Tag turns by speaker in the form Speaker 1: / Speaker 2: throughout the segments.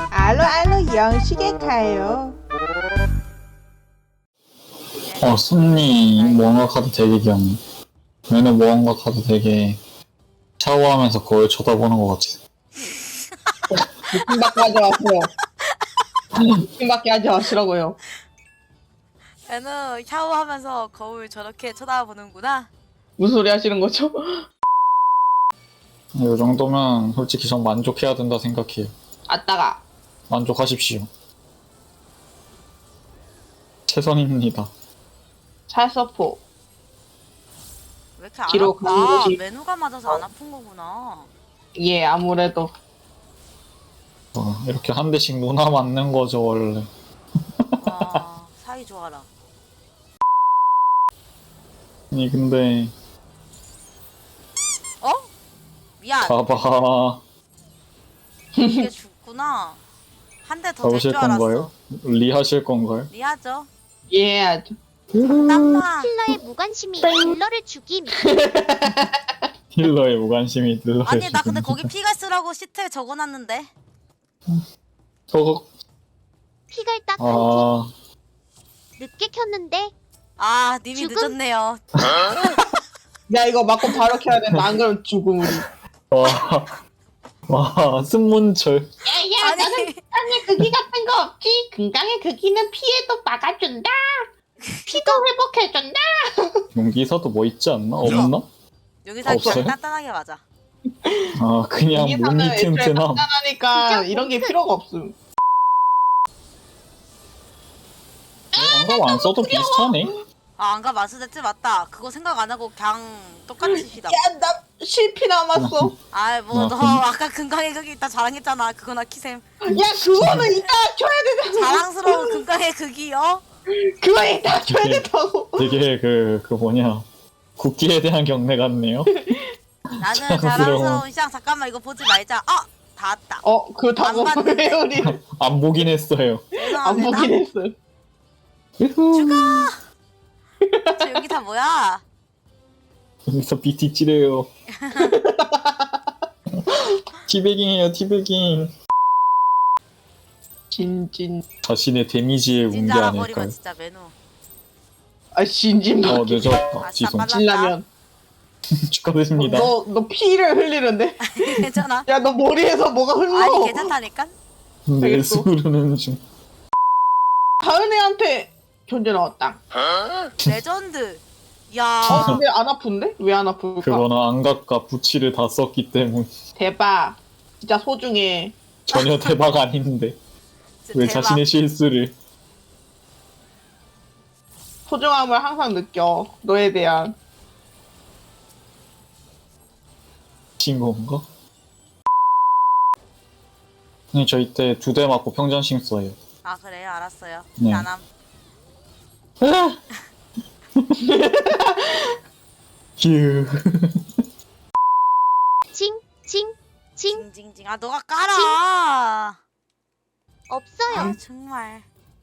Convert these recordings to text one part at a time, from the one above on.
Speaker 1: 알로 영식에 가요.
Speaker 2: 순니 무언가 카드 되게 귀엽네. 얘는 무언가 카드 되게 샤워하면서 거울 쳐다보는 것 같아.
Speaker 1: 느낌밖에 하지 마세요. 느낌밖에 하지 마시라고요.
Speaker 3: 얘는 샤워하면서 거울 저렇게 쳐다보는구나.
Speaker 1: 무슨 소리 하시는 거죠?
Speaker 2: 이 정도면 솔직히 전 만족해야 된다 생각해요.
Speaker 1: 아따가.
Speaker 2: 만족하십시오. 최선입니다.
Speaker 1: 찰서포.
Speaker 3: 왜 이렇게 안
Speaker 1: 뒤로
Speaker 3: 아파?
Speaker 1: 가는 거지.
Speaker 3: 메뉴가 맞아서 안 아픈 거구나.
Speaker 1: 예, 아무래도.
Speaker 2: 이렇게 한 대씩 누나 맞는 거죠 원래.
Speaker 3: 와, 사이 좋아라.
Speaker 2: 아니 근데
Speaker 3: 어? 미안.
Speaker 2: 가봐.
Speaker 3: 이게 죽구나. 한 대 더 될
Speaker 2: 잡으실
Speaker 3: 줄 알았어.
Speaker 2: 건가요? 리하실 건가요?
Speaker 3: 리하죠.
Speaker 1: 예, 아주.
Speaker 3: 담담마.
Speaker 4: 힐러의 무관심이 힐러를 죽임.
Speaker 2: 힐러의 무관심이 들러요.
Speaker 3: 아니 나 근데 거기 피가 쓰라고 시트에 적어놨는데.
Speaker 2: 저거
Speaker 4: 피갈 딱 한
Speaker 2: 아
Speaker 4: 팀. 늦게 켰는데
Speaker 3: 아 님이
Speaker 4: 죽음?
Speaker 3: 늦었네요.
Speaker 1: 야, 이거 맞고 바로 켜야 된다. 안 그러면 죽음, 우리.
Speaker 2: 와, 승문철.
Speaker 1: 야,
Speaker 3: 아니
Speaker 1: 건강에 극기 같은 거 없지? 건강의 극기는 피해도 막아준다. 피도 회복해준다.
Speaker 2: 용기사도 뭐 있지 않나? 없나?
Speaker 3: 여기서
Speaker 2: 없어요?
Speaker 3: 그냥 단단하게 맞아.
Speaker 2: 아, 그냥
Speaker 1: 이게
Speaker 2: 몸이
Speaker 1: 애초에
Speaker 2: 튼튼함.
Speaker 1: 간단하니까
Speaker 4: 진짜
Speaker 1: 이런 게 필요가 없음.
Speaker 2: 안감 안 써도 비슷하네.
Speaker 3: 아 안가 마스데츠 맞다. 그거 생각 안 하고 그냥 똑같이 시다.
Speaker 1: 야, 나 실피 남았어.
Speaker 3: 아 뭐 너 아까 금강의 극이 있다 자랑했잖아. 그거나 키셈.
Speaker 1: 야, 그거는 이따 줘야 되잖아.
Speaker 3: 자랑스러운 금강의 극이요.
Speaker 1: 그거 이따 줘야 된다고.
Speaker 2: 되게 그 뭐냐. 국기에 대한 경례 같네요.
Speaker 3: 나는 자랑스러운 시장. 잠깐만 이거 보지 말자. 다 왔다.
Speaker 1: 그거 다
Speaker 3: 안 봤는데.
Speaker 1: 먹어요, 우리.
Speaker 2: 안 보긴 했어요.
Speaker 1: 안
Speaker 3: 죄송합니다.
Speaker 1: 보긴 했어.
Speaker 3: 저 여기 다 뭐야?
Speaker 2: 여기서 BT 찌래요. 티베깅이에요, 티베깅.
Speaker 1: 진진.
Speaker 2: 자신의 데미지의 문제
Speaker 3: 진짜
Speaker 2: 아닐까요?
Speaker 3: 버리면 진짜 메뉴.
Speaker 1: 아, 진진밖에.
Speaker 2: 늦었다.
Speaker 3: 아싸,
Speaker 2: 지성.
Speaker 3: 빨라.
Speaker 1: 진라면.
Speaker 2: 축하드립니다.
Speaker 1: 너 피를 흘리는데?
Speaker 3: 괜찮아?
Speaker 1: 야, 너 머리에서 뭐가 흘러.
Speaker 3: 아니 괜찮다니까?
Speaker 2: 내 스르는 중.
Speaker 1: 가은이한테 견제 나왔다.
Speaker 3: 레전드. 야.
Speaker 1: 근데 안 아픈데? 왜 안 아플까?
Speaker 2: 그거는 안각과 부치를 다 썼기 때문
Speaker 1: 대박. 진짜 소중해.
Speaker 2: 전혀 대박 아닌데
Speaker 3: 진짜
Speaker 2: 왜
Speaker 3: 대박.
Speaker 2: 자신의 실수를.
Speaker 1: 소중함을 항상 느껴. 너에 대한.
Speaker 2: 친 건가? 네, 저 이때 2대 맞고 평전심 써요.
Speaker 3: 아 그래요? 알았어요.
Speaker 2: 네.
Speaker 3: 나남.
Speaker 2: 휴.
Speaker 4: 징징징
Speaker 3: 징징징. 아 너가 깔아.
Speaker 4: 없어요.
Speaker 3: 아 정말.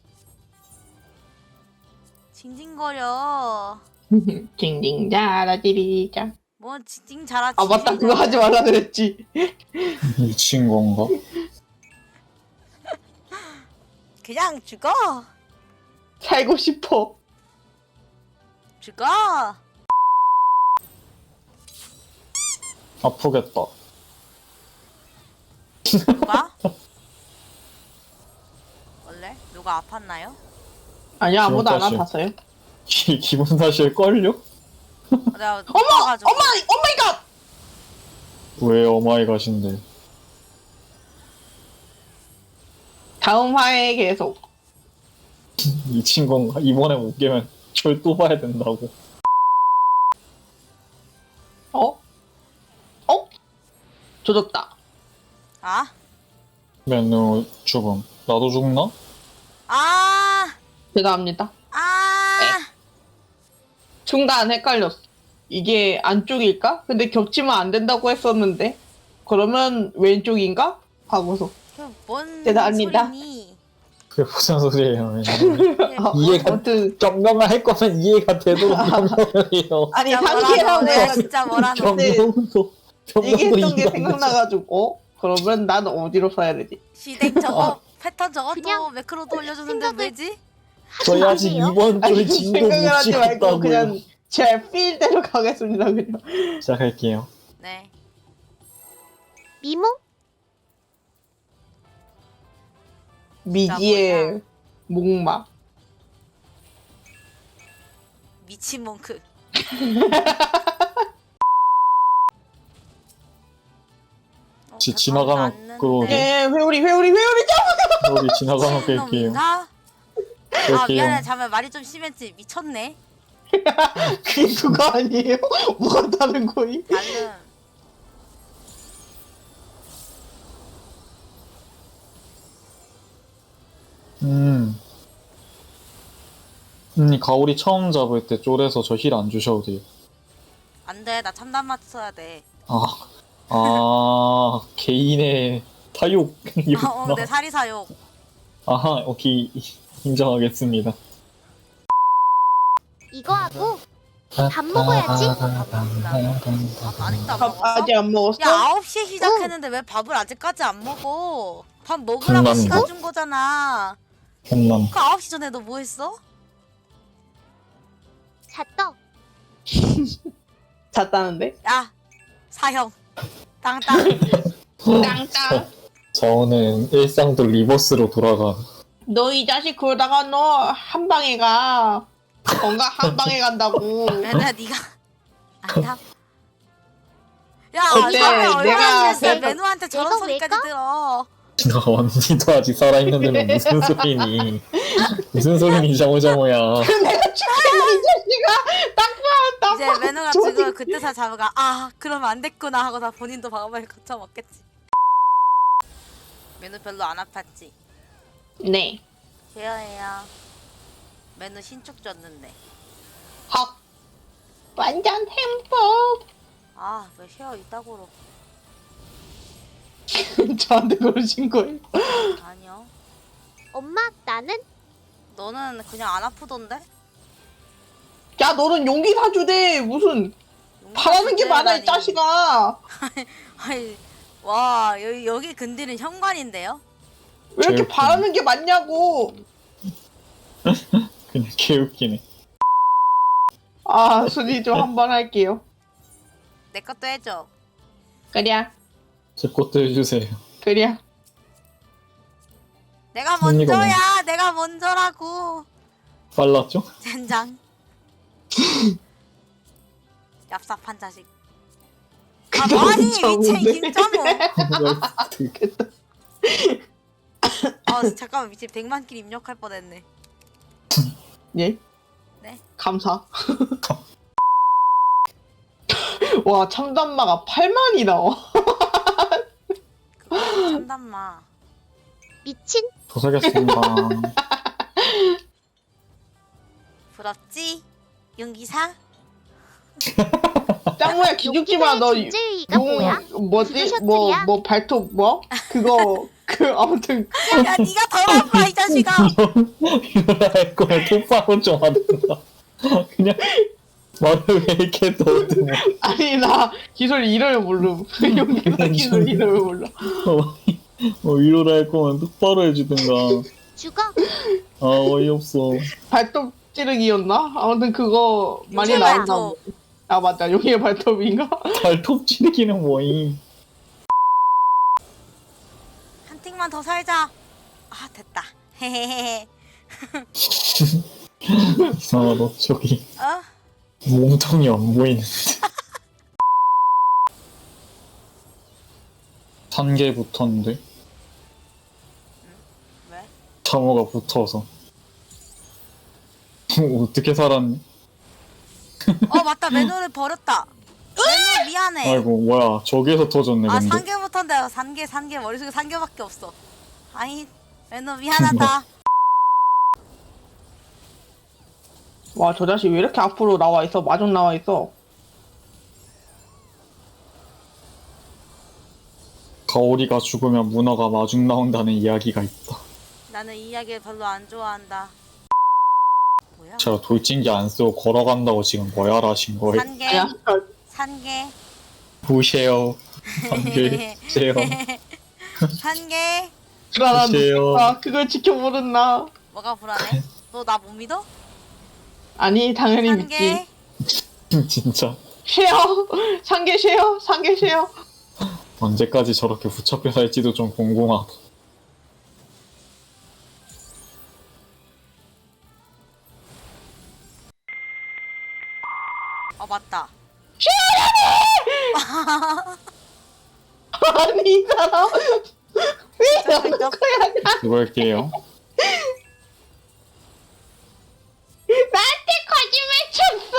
Speaker 3: 징징거려.
Speaker 1: 징징 자라지리자.
Speaker 3: 뭐 징징 잘하지.
Speaker 1: 아, 맞다. 그거 하지 말라 그랬지.
Speaker 2: 미친 건가?
Speaker 3: 그냥 죽어.
Speaker 1: 살고 싶어.
Speaker 3: 죽어.
Speaker 2: 아프겠다.
Speaker 3: 누가? 원래 누가 아팠나요?
Speaker 1: 아니야, 아무도 안
Speaker 2: 지금
Speaker 1: 아팠어요.
Speaker 2: 기분 탓일걸요?
Speaker 3: 내가
Speaker 1: 엄마!
Speaker 3: 아파가지고.
Speaker 1: 오마이갓!
Speaker 2: 왜 오마이갓인데.
Speaker 1: 다음 화에 계속.
Speaker 2: 미친 건가? 이번에 못 깨면 절 또 봐야 된다고.
Speaker 1: 조졌다.
Speaker 3: 아?
Speaker 2: 메뉴 죽음. 나도 죽나?
Speaker 3: 아!
Speaker 1: 죄송합니다.
Speaker 3: 아!
Speaker 1: 중간 헷갈렸어. 이게 안쪽일까? 근데 겹치면 안 된다고 했었는데. 그러면 왼쪽인가? 하고서.
Speaker 3: 뭔
Speaker 1: 죄송합니다.
Speaker 3: 소리니?
Speaker 2: 그게 무슨 소리예요? 이해가
Speaker 1: 아무튼
Speaker 2: 변명을 할 거면 이해가 되도록 변명을 해요.
Speaker 1: 아니
Speaker 3: 진짜 뭐라노?
Speaker 1: 상기라고
Speaker 3: 내가 진짜 뭐라노?
Speaker 1: 네.
Speaker 2: 변명도
Speaker 1: 얘기했던 게
Speaker 2: 이해가 안 되죠.
Speaker 1: 생각나가지고 그러면 난 어디로 써야 되지?
Speaker 3: 시댁 저거 패턴 저것도
Speaker 4: 그냥
Speaker 3: 매크로도 올려주는데
Speaker 4: 생각을-
Speaker 3: 왜지?
Speaker 2: 저희 아직
Speaker 4: 마세요.
Speaker 2: 이번 주에 진도 못
Speaker 1: 생각을 하지 말고
Speaker 2: 찍었다고요.
Speaker 1: 그냥 제 필대로 가겠습니다. 그냥.
Speaker 2: 시작할게요.
Speaker 3: 네.
Speaker 4: 미모?
Speaker 1: 미지의 목마.
Speaker 3: 미친 몽크.
Speaker 2: 지나가면 그거
Speaker 1: 예, 회오리.
Speaker 2: 우리 지나가면 뺄게요.
Speaker 3: 아
Speaker 2: 뺄게요.
Speaker 3: 미안해 잠깐 말이 좀 심했지. 미쳤네.
Speaker 1: 그게 그거 아니에요? 뭐가 다른 거임?
Speaker 3: 나는
Speaker 2: 가오리 처음 잡을 때 쫄에서 저 힐 안 주셔도 돼요.
Speaker 3: 안돼. 나 참담 맞춰야 돼.
Speaker 2: 개인의
Speaker 3: 아,
Speaker 2: 타욕이었구나.
Speaker 3: 내 사리 사욕.
Speaker 2: 아하, 오케이. 인정하겠습니다.
Speaker 4: 이거 하고 밥 먹어야지.
Speaker 3: 아직도 안
Speaker 1: 밥
Speaker 3: 먹었어?
Speaker 1: 아직 안 먹었어?
Speaker 3: 야 9시에 시작했는데 왜 밥을 아직까지 안 먹어? 밥 먹으라고
Speaker 2: 혼난다.
Speaker 3: 시간 준 거잖아.
Speaker 2: 혼남.
Speaker 3: 그 9시 전에 너 뭐 했어?
Speaker 4: 잤다.
Speaker 1: 잤다는데?
Speaker 3: 야 사형 땅땅.
Speaker 1: 땅땅.
Speaker 2: 저는 일상도 리버스로 돌아가.
Speaker 1: 너 이 자식 그러다가 너 한 방에 가. 뭔가 한 방에 간다고.
Speaker 3: 맨날 네가 안다. 야
Speaker 1: 어때?
Speaker 3: 사회 얼마나
Speaker 1: 내가
Speaker 3: 했어?
Speaker 1: 내가-
Speaker 3: 매누한테 저런
Speaker 4: 내가
Speaker 3: 소리까지
Speaker 4: 왜가?
Speaker 3: 들어.
Speaker 2: 언니도 아직 살아있는데는 무슨 소리니? 무슨 소리니, 자모자모야.
Speaker 1: 내가 죽겠네 이 자식아. 딱
Speaker 3: 이제 매누가
Speaker 1: 저기-
Speaker 3: 지금 그때서 잡으가 아 그러면 안 됐구나 하고 다 본인도 방어를 거쳐 먹겠지. 매누 별로 안 아팠지?
Speaker 1: 네.
Speaker 3: 제어해요. 매누 신축 줬는데.
Speaker 1: 헉. 완전 행복.
Speaker 3: 아왜 쉐어 이따구로.
Speaker 1: 저한테 그러신 거예요?
Speaker 3: 아니요.
Speaker 4: 엄마 나는
Speaker 3: 너는 그냥 안 아프던데?
Speaker 1: 야 너는 용기 사주대. 무슨 바라는 게 많아 이 자식아.
Speaker 3: 아니, 와 여기 근디는 현관인데요?
Speaker 1: 왜 이렇게
Speaker 2: 제육볶음.
Speaker 1: 바라는 게 많냐고.
Speaker 2: 그냥 개웃기네.
Speaker 1: 아 순위 좀 한번 할게요.
Speaker 3: 내 것도 해줘.
Speaker 1: 그래
Speaker 2: 제 것도 해주세요.
Speaker 1: 그래.
Speaker 3: 내가
Speaker 2: 순위가
Speaker 3: 먼저야. 내가 먼저라고.
Speaker 2: 빨랐죠?
Speaker 3: 젠장. 얍삽한 자식. 아
Speaker 1: 그다음
Speaker 3: 뭐하니 미친
Speaker 1: 정우네.
Speaker 3: 김정우.
Speaker 1: 좋겠다.
Speaker 3: 아 잠깐만 미친 100만 킬 입력할 뻔했네.
Speaker 1: 예?
Speaker 3: 네.
Speaker 1: 감사. 와 참담마가 8만이 나와.
Speaker 3: 그거 참담마.
Speaker 4: 미친
Speaker 2: 도사겠습니다.
Speaker 3: 부럽지? 용기사?
Speaker 1: 짱모야 기죽지 마. 너
Speaker 4: 존재의의가 뭐야?
Speaker 1: 뭐지?
Speaker 4: 누구
Speaker 1: 뭐 발톱 뭐? 그거 아무튼
Speaker 3: 야 니가 더 아파 이 자식아.
Speaker 2: 이럴 거면 톱밥은 좀 하든가. 그냥 말을 왜 이렇게 더듬어.
Speaker 1: 아니 나 기술 이름을 모름. 용기사 기술 이름을 몰라.
Speaker 2: 이럴 할 거면 똑바로 해주든가.
Speaker 4: 죽어.
Speaker 2: 아, 어이없어.
Speaker 1: 발톱 찌르기였나? 아무튼 그거 많이
Speaker 3: 용의
Speaker 1: 나온다.
Speaker 3: 발톱.
Speaker 1: 아 맞다. 용의 발톱인가?
Speaker 2: 발톱 찌르기는 뭐임.
Speaker 3: 한 틱만 더 살자. 아 됐다. 헤헤헤.
Speaker 2: 이상하다. 저기
Speaker 3: 어?
Speaker 2: 몸통이 안 보이는데. 3개 붙었는데
Speaker 3: 왜?
Speaker 2: 참호가 붙어서. 어떻게 살았니?
Speaker 3: 맞다 매너를 버렸다. 매너 미안해.
Speaker 2: 아이고 뭐야 저기에서 터졌네
Speaker 3: 아
Speaker 2: 근데.
Speaker 3: 3개부터인데 3개 머릿속에 3개밖에 없어. 아이 매너 미안하다.
Speaker 1: 와 저 자식 왜 이렇게 앞으로 나와 있어? 마중 나와 있어.
Speaker 2: 가오리가 죽으면 문어가 마중 나온다는 이야기가 있다.
Speaker 3: 나는 이 이야기를 별로 안 좋아한다. 뭐야?
Speaker 2: 제가 돌진기 안 쓰고 걸어간다고 지금 뭐야라 하신 거예요?
Speaker 3: 산개
Speaker 1: 야
Speaker 3: 산개.
Speaker 2: 보세요. 3개 주세요.
Speaker 3: 산개.
Speaker 1: 불안한
Speaker 2: 글쎄요.
Speaker 1: 놈아 그걸 지켜보는 나.
Speaker 3: 뭐가 불안해? 너 나 못 믿어?
Speaker 1: 아니 당연히
Speaker 3: 산개.
Speaker 1: 믿지.
Speaker 2: 진짜
Speaker 1: 쉐어 상계 쉐어 상계 쉐어.
Speaker 2: 언제까지 저렇게 붙잡혀 살지도 좀 궁금하다.
Speaker 3: 맞다.
Speaker 1: 아니 이 사람 왜 이러는 거야?
Speaker 2: 그걸게요.
Speaker 1: 나한테 거짓말 쳤어.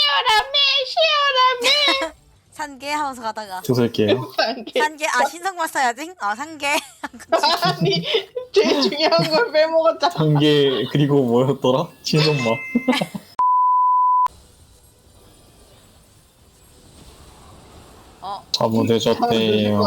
Speaker 1: 쉐어라며
Speaker 3: 산개 하면서 가다가
Speaker 2: 두들게요.
Speaker 1: 상계.
Speaker 3: 산개 신성말 써야지. 산개.
Speaker 1: 아니 제일 중요한 걸 빼먹었잖아.
Speaker 2: 한개 그리고 뭐였더라? 신선마. 잘못해줬대요.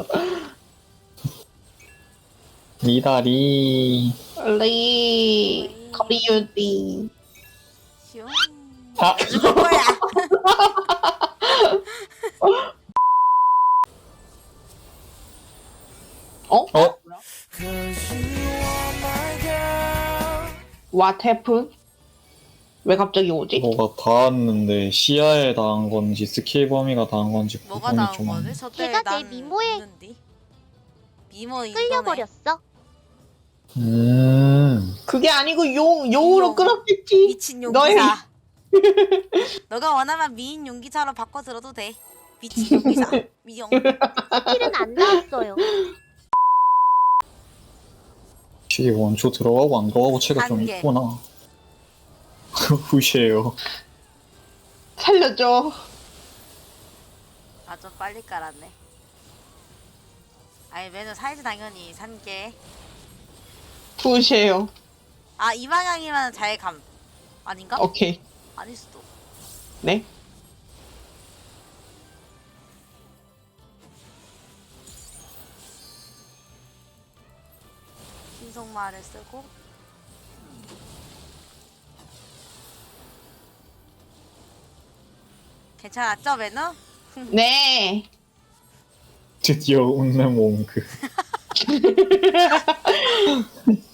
Speaker 2: 미다리.
Speaker 1: 리 거리유디.
Speaker 3: 슝.
Speaker 2: 아,
Speaker 3: 죽을 거야.
Speaker 1: 어?
Speaker 2: 어?
Speaker 1: What happened? 왜 갑자기 오지?
Speaker 2: 뭐가 닿았는데 시야에 닿은 건지 스킬 범위가 닿은 건지
Speaker 3: 뭐가
Speaker 2: 구분이
Speaker 3: 나온
Speaker 2: 좀 안
Speaker 3: 거지?
Speaker 2: 돼.
Speaker 3: 저때
Speaker 4: 걔가
Speaker 3: 난
Speaker 4: 내 미모에
Speaker 3: 있는디? 미모 인정해.
Speaker 4: 끌려버렸어.
Speaker 1: 그게 아니고 용으로
Speaker 3: 용.
Speaker 1: 끌었겠지.
Speaker 3: 미친
Speaker 1: 너의
Speaker 3: 용기사. 너가 원하면 미인 용기사로 바꿔 들어도 돼. 미친 용기사. 미용.
Speaker 4: 스킬은 안 나왔어요.
Speaker 2: 이게 원초 들어가고 안 들어가고 차이가 좀
Speaker 3: 단계.
Speaker 2: 있구나. 후시에요.
Speaker 1: 살려줘.
Speaker 3: 좀 빨리 깔았네. 아니 매너 살지 당연히 산게.
Speaker 1: 부시에요.
Speaker 3: 이 방향이면 잘 감. 아닌가?
Speaker 1: 오케이.
Speaker 3: 아닐 수도.
Speaker 1: 네.
Speaker 3: 신속말을 쓰고. 괜찮았죠 매너?
Speaker 1: 네.
Speaker 2: 드디어 웃는 몽크.